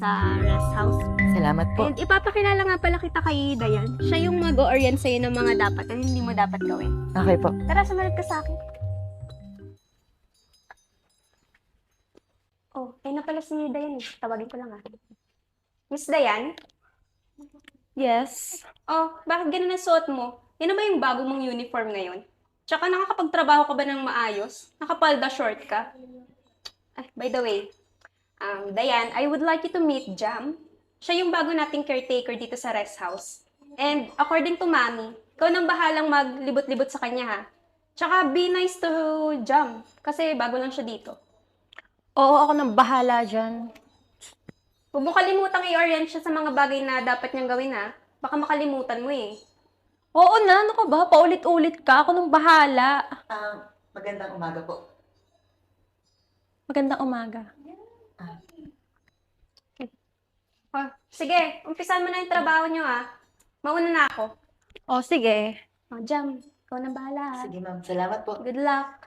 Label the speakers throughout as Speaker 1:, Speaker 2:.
Speaker 1: sa rest house.
Speaker 2: Salamat po.
Speaker 1: And ipapakilala nga pala kita kay Dayan. Siya yung mag-o-orient sa'yo ng mga dapat at hindi mo dapat gawin.
Speaker 2: Okay po.
Speaker 1: Tara, sumunod ka sa akin. Oh, na pala si Dayan eh. Tawagin ko lang ah. Miss Dayan?
Speaker 3: Yes.
Speaker 1: Oh, bakit ganun ang suot mo? Yan na ba yung bago mong uniform ngayon? Tsaka nakakapagtrabaho ka ba ng maayos? Nakapalda short ka? Ay, by the way, Dayan, I would like you to meet Jam. Siya yung bago nating caretaker dito sa rest house. And according to Mami, ikaw nang bahalang maglibot-libot sa kanya ha. Tsaka be nice to Jam, kasi bago lang siya dito.
Speaker 3: Oo, ako nang bahala dyan.
Speaker 1: Huwag mo kalimutang i-orient siya sa mga bagay na dapat niyang gawin ha. Baka makalimutan mo eh.
Speaker 3: Oo na, ano ka ba? Paulit-ulit ka. Ako nang bahala.
Speaker 2: Magandang umaga po.
Speaker 3: Magandang umaga.
Speaker 1: Oh, sige, umpisan mo na yung trabaho niyo ha. Mauna na ako.
Speaker 3: O, sige.
Speaker 1: Oh, Jam, ikaw na bahala ha.
Speaker 2: Sige ma'am, salamat po.
Speaker 1: Good luck.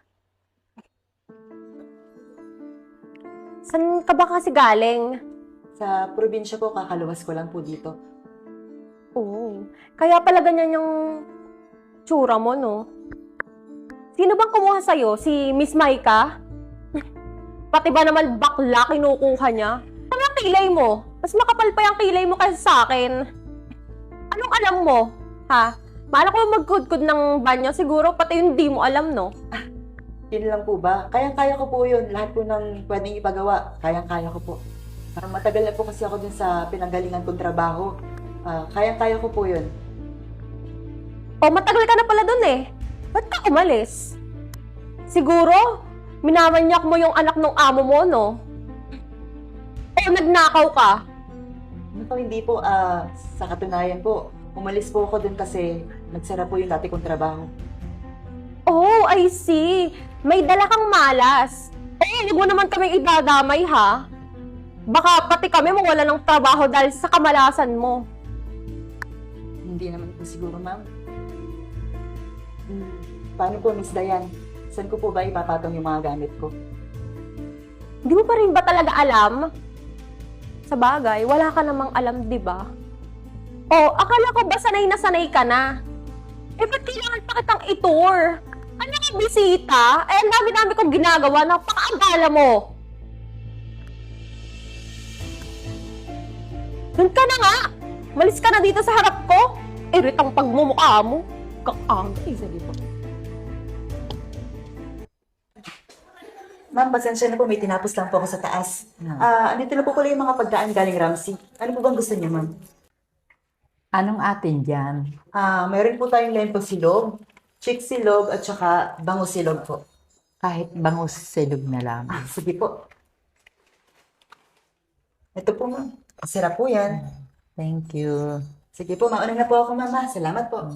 Speaker 3: Saan ka ba kasi galing?
Speaker 2: Sa probinsya po, kakaluwas ko lang po dito.
Speaker 3: Oo. Kaya pala ganyan yung tsura mo, no? Sino bang kumuha sa'yo? Si Miss Maika? Pati ba naman bakla kinukuha niya? Ano ang kilay mo? Mas makapal pa yung kilay mo kaysa sa akin. Anong alam mo? Ha? Maala ko magkudkod ng banyo. Siguro pati yung di mo alam, no?
Speaker 2: Yun lang po ba? Kayang-kaya ko po yun. Lahat po ng pwedeng ipagawa, kayang-kaya ko po. Matagal na po kasi ako dun sa pinanggalingan kong trabaho. Kayang-kaya ko po yun.
Speaker 3: O, matagal ka na pala dun eh. Ba't ka umalis? Siguro, minamanyak mo yung anak ng amo mo, no? O, nagnakaw ka?
Speaker 2: Ano po, hindi po, sa katunayan po, umalis po ako dun kasi nagsara po yung dati kong trabaho.
Speaker 3: Oh, I see. May dala kang malas. Eh, huwag mo naman kaming idadamay, ha? Baka pati kami mawala ng trabaho dahil sa kamalasan mo.
Speaker 2: Hindi naman po siguro, ma'am. Paano po, Miss Dayan? Saan ko po ba ipapatong yung mga gamit ko?
Speaker 3: Hindi mo pa rin ba talaga alam? Sa bagay, wala ka namang alam, di ba? Oh, akala ko ba sanay na sanay ka na? Eh, ba't kailangan pa kitang i-tour? Ano yung bisita? Eh, ang dami-dami kong ginagawa. Napakaagala mo. Doon ka na nga! Malis ka na dito sa harap ko! Iritang pagmumukha mo. Kakangay.
Speaker 2: Sige po. Ma'am, pasensya na po. May tinapos lang po ako sa taas. Andito na po pala yung mga pagdaan galing Ramsey. Ano po bang gusto niyo, ma'am?
Speaker 4: Anong atin dyan?
Speaker 2: Meron po tayong lempo silog, chick silog, at saka bango silog po.
Speaker 4: Kahit bangus silog na lang.
Speaker 2: Sige po. Ito po, ma'am. Sarap po yan.
Speaker 4: Thank you.
Speaker 2: Sige po, mauna na po ako, mama. Salamat po.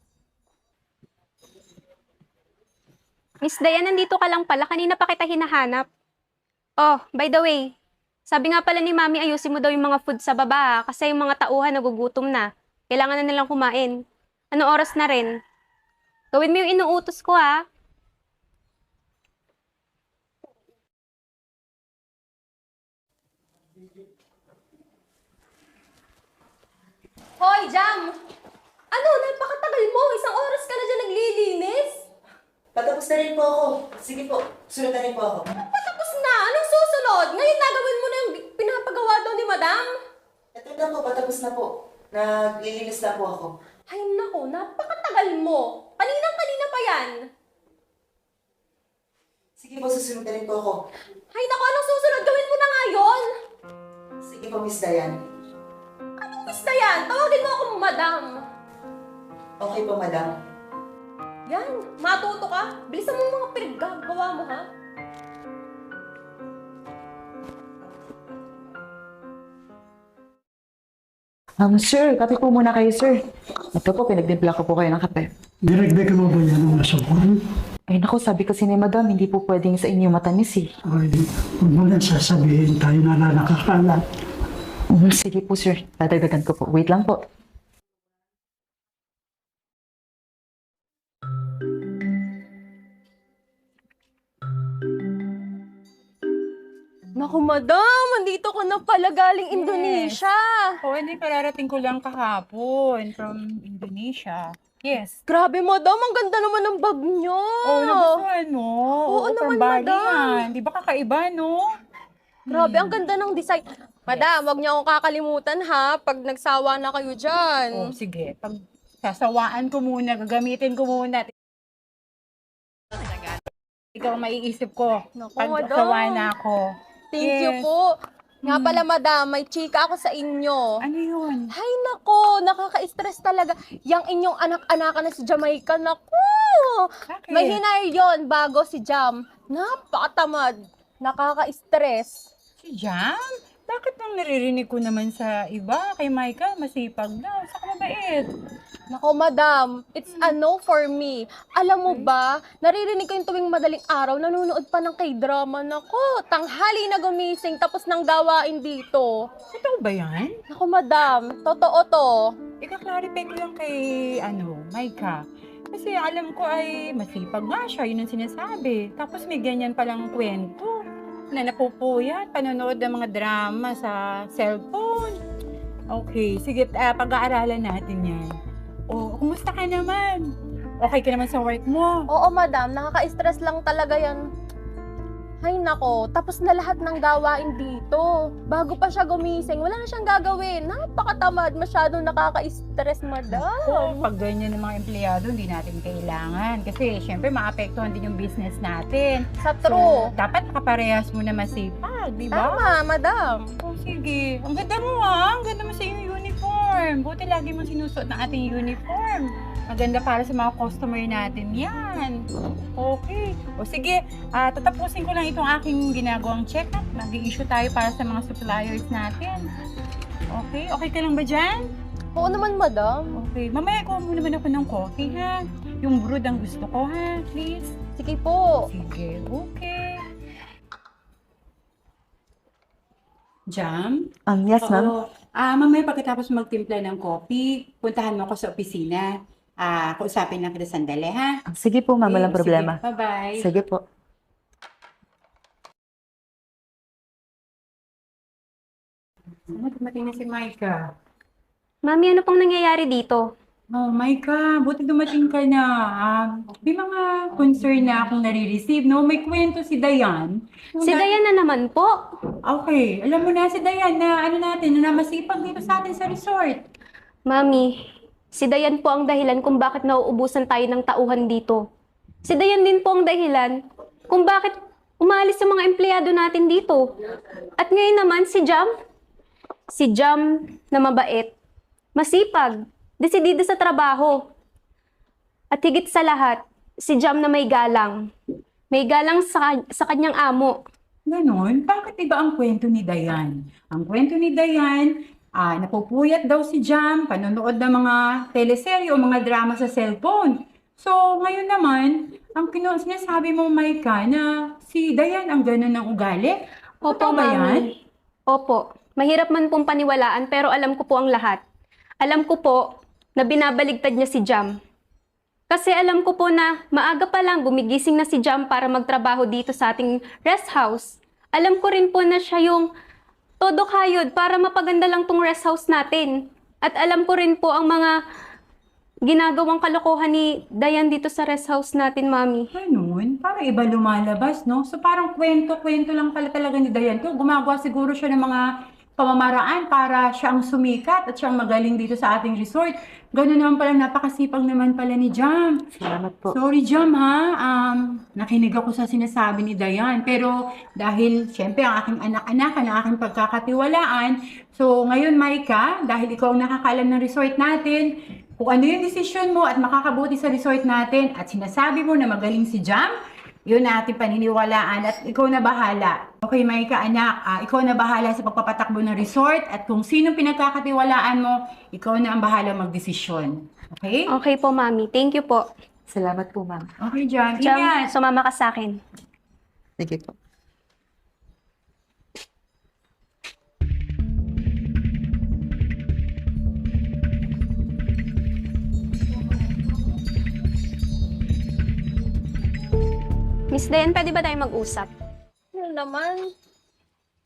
Speaker 1: Miss Dayan, nandito ka lang pala. Kanina pa kita hinahanap. Oh, by the way, sabi nga pala ni Mami, ayusin mo daw yung mga food sa baba kasi yung mga tauhan nagugutom na. Kailangan na nilang kumain. Anong oras na rin? Gawin mo yung inuutos ko ha.
Speaker 3: Hoy, Jam! Ano? Napakatagal mo! Isang oras ka na dyan naglilinis!
Speaker 2: Patapos na rin po ako. Sige po, sunod na rin po ako.
Speaker 3: Patapos na! Anong susunod? Ngayon nagawin mo na yung pinapagawa daw ni Madam?
Speaker 2: Ito na po, patapos na po. Naglilinis na po ako.
Speaker 3: Ay nako, napakatagal mo! Kaninang-kanina pa yan!
Speaker 2: Sige po, susunod na rin po ako.
Speaker 3: Ay nako, anong susunod? Gawin mo na nga yun!
Speaker 2: Sige po, Miss Dayan.
Speaker 3: Anong basta yan? Tawagin mo akong Madam!
Speaker 2: Okay po, madam.
Speaker 3: Yan, matuto ka. Bilisan mo yung mga pinaggagawa mo, ha?
Speaker 2: Sir, kape po muna kayo, sir. Ito po, pinagdimpla ko po kayo ng kape.
Speaker 5: Dinagdagan mo ba yan ng asukal?
Speaker 2: Ay naku, sabi kasi ni madam, hindi po pwedeng sa inyo matamis eh.
Speaker 5: Ay, huwag mo lang sasabihin tayo na nakakalat.
Speaker 2: Sige po, sir. Dadagdagan ko po. Wait lang po.
Speaker 3: Naku, madam, andito ko na pala galing
Speaker 6: Yes.
Speaker 3: Indonesia.
Speaker 6: Oo, hindi, kararating ko lang kahapon from Indonesia. Yes.
Speaker 3: Grabe, madam, ang ganda naman ng bag nyo.
Speaker 6: Oh, nagustuhan mo?
Speaker 3: Oo naman,
Speaker 6: from Bali
Speaker 3: madam.
Speaker 6: yan. Di ba kakaiba, no?
Speaker 3: Grabe, ang ganda ng design. Madam, wag niyo akong kakalimutan ha, pag nagsawa na kayo dyan.
Speaker 6: Oh, sige. Pag sasawaan ko muna, gagamitin ko muna. Ikaw ang maiisip ko.
Speaker 3: Naku,
Speaker 6: Pag
Speaker 3: madam.
Speaker 6: sawa na ako.
Speaker 3: Thank you
Speaker 6: Yes.
Speaker 3: po. Nga pala, madam, may chika ako sa inyo.
Speaker 6: Ano yun?
Speaker 3: Hay nako, nakaka-stress talaga. Yang inyong anak-anakan na si Jamaica, naku!
Speaker 6: Bakit?
Speaker 3: May hinire yon bago si Jam. Napakatamad. Nakaka-stress.
Speaker 6: Si Jam? Bakit nang naririnig ko naman sa iba? Kay Micah, masipag daw. Saka mabait.
Speaker 3: Nako, madam, it's a no for me. Alam mo ba, naririnig ko yung tuwing madaling araw, nanonood pa ng K-drama. Nako, tanghali na gumising tapos nang gawain dito.
Speaker 6: Totoo ba yan?
Speaker 3: Nako, madam, totoo to.
Speaker 6: Ika-clarify ko lang kay, Micah. Kasi alam ko ay masipag nga siya, yun ang sinasabi. Tapos may ganyan palang kwento na napupuyat, panonood ng mga drama sa cellphone. Okay, sige, pag-aaralan natin yan. O, kumusta ka naman? Okay ka naman sa work mo?
Speaker 3: Oo, madam, nakaka-stress lang talaga yan. Hay nako, tapos na lahat ng gawain dito. Bago pa siya gumising, wala na siyang gagawin. Napakatamad, masyadong nakaka-stress, madam.
Speaker 6: Pag ganyan ng mga empleyado, hindi natin kailangan. Kasi, syempre, maapektuhan din yung business natin.
Speaker 3: Sa true.
Speaker 6: So, dapat nakaparehas mo na masipag, di ba?
Speaker 3: Tama, madam.
Speaker 6: Oh, sige. Ang ganda mo Ang ganda mo sa iyong uniform. Buti lagi mong sinusuot ng ating uniform. Maganda para sa mga customer natin yan. Okay. O sige, tatapusin ko lang itong aking ginagawang check-up. Mag-i-issue tayo para sa mga suppliers natin. Okay? Okay ka lang ba dyan?
Speaker 3: Oo naman, madam.
Speaker 6: Okay. Mamaya ko muna naman ako ng coffee, ha? Yung brewed ang gusto ko, ha? Please?
Speaker 3: Sige po.
Speaker 6: Sige. Okay. Jam?
Speaker 2: Yes, ma'am.
Speaker 6: Oo. Mamaya pagkatapos magtimpla ng coffee, puntahan mo ako sa opisina. Kausapin lang kita sandali, ha?
Speaker 2: Sige po, ma'am, walang
Speaker 6: Okay,
Speaker 2: problema.
Speaker 6: Sige. Bye-bye.
Speaker 2: Sige po.
Speaker 6: Ano, dumating na si Micah.
Speaker 1: Mami, ano pong nangyayari dito?
Speaker 6: Oh, Micah, buti dumating ka na. May mga concern na akong nare-receive, no? May kwento si Dayan.
Speaker 1: Si Dayan na naman po.
Speaker 6: Okay, alam mo na si Dayan na na masipag dito sa atin sa resort.
Speaker 1: Mami, si Dayan po ang dahilan kung bakit nauubusan tayo ng tauhan dito. Si Dayan din po ang dahilan kung bakit umalis ang mga empleyado natin dito. At ngayon naman si Jam. Si Jam na mabait, masipag, desidido sa trabaho. At higit sa lahat, si Jam na may galang. May galang sa kanyang amo.
Speaker 6: Ganon? Bakit iba ang kwento ni Dayan? Ang kwento ni Dayan, napupuyat daw si Jam, panonood ng mga teleserye o mga drama sa cellphone. So, ngayon naman, ang sinasabi mo, Micah, na si Dayan ang ganon ng ugali?
Speaker 1: Opo,
Speaker 6: Totoo ba yan?
Speaker 1: Mami. Opo. Mahirap man pong paniwalaan pero alam ko po ang lahat. Alam ko po na binabaligtad niya si Jam. Kasi alam ko po na maaga pa lang gumigising na si Jam para magtrabaho dito sa ating rest house. Alam ko rin po na siya yung todo kayod para mapaganda lang tong rest house natin. At alam ko rin po ang mga ginagawang kalokohan ni Dayan dito sa rest house natin, Mami.
Speaker 6: Ganon? Parang iba lumalabas, no? So, parang kwento-kwento lang pala talaga ni Dayan. Kung gumagawa siguro siya ng mga pamamaraan para siya ang sumikat at siya ang magaling dito sa ating resort. Ganon naman pala, napakasipag naman pala ni Jam.
Speaker 2: Salamat po.
Speaker 6: Sorry, Jam, ha? Nakinig ako sa sinasabi ni Dayan. Pero dahil, syempre, ang aking anak-anak, ang aking pagkakatiwalaan. So, ngayon, Micah, dahil ikaw ang nakakaalam ng resort natin, kung ano yung desisyon mo at makakabuti sa resort natin at sinasabi mo na magaling si Jam, yun na ating paniniwalaan at ikaw na bahala. Okay, Micah, anak, ikaw na bahala sa pagpapatakbo ng resort at kung sino pinagkakatiwalaan mo, ikaw na ang bahala magdesisyon. Okay?
Speaker 1: Okay po, Mami. Thank you po.
Speaker 2: Salamat po, ma'am.
Speaker 6: Okay, Jam.
Speaker 1: Jam,
Speaker 6: Ingat!
Speaker 1: sumama ka sa akin.
Speaker 2: Sige po.
Speaker 1: Miss Dayan, pwede ba tayo mag-usap?
Speaker 3: Ano naman?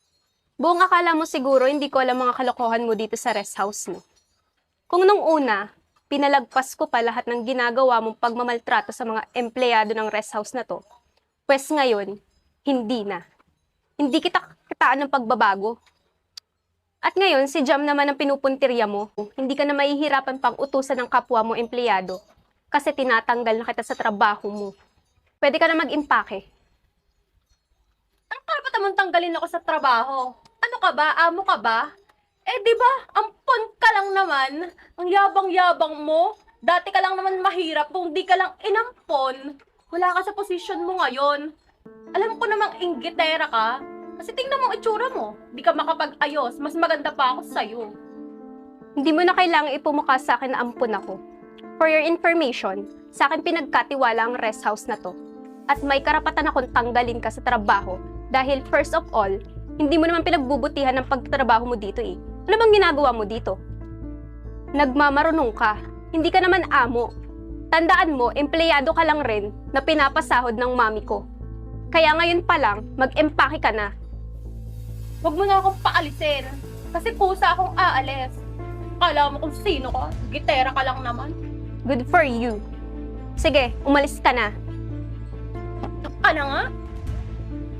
Speaker 1: Buong akala mo siguro hindi ko alam mga kalokohan mo dito sa rest house mo. Kung nung una, pinalagpas ko pa lahat ng ginagawa mong pagmamaltrato sa mga empleyado ng rest house na to, pwes ngayon, hindi na. Hindi kita kitaan ng pagbabago. At ngayon, si Jam naman ang pinupuntirya mo. Hindi ka na mahihirapan pang utusan ng kapwa mo empleyado kasi tinatanggal na kita sa trabaho mo. Pwede ka na mag-impake.
Speaker 3: Ang karapatan mong tanggalin ako sa trabaho. Ano ka ba? Amo ka ba? Eh, di ba? Ampon ka lang naman. Ang yabang-yabang mo. Dati ka lang naman mahirap kung di ka lang inampon. Wala ka sa posisyon mo ngayon. Alam ko namang inggitera ka. Kasi tingnan mo ang itsura mo. Di ka makapag-ayos. Mas maganda pa ako sa'yo.
Speaker 1: Hindi mo na kailangang ipumukha sa akin na ampun ako. For your information, sa akin pinagkatiwala ang rest house na to. At may karapatan akong tanggalin ka sa trabaho dahil first of all, hindi mo naman pinagbubutihan ng pagtatrabaho mo dito eh. Ano bang ginagawa mo dito? Nagmamarunong ka. Hindi ka naman amo. Tandaan mo, empleyado ka lang rin na pinapasahod ng mami ko. Kaya ngayon pa lang, mag-empake ka na.
Speaker 3: Huwag mo na akong paalisin. Kasi kusa akong aalis. Kala mo kung sino ka? Gitera ka lang naman.
Speaker 1: Good for you. Sige, umalis ka na.
Speaker 3: Ano nga?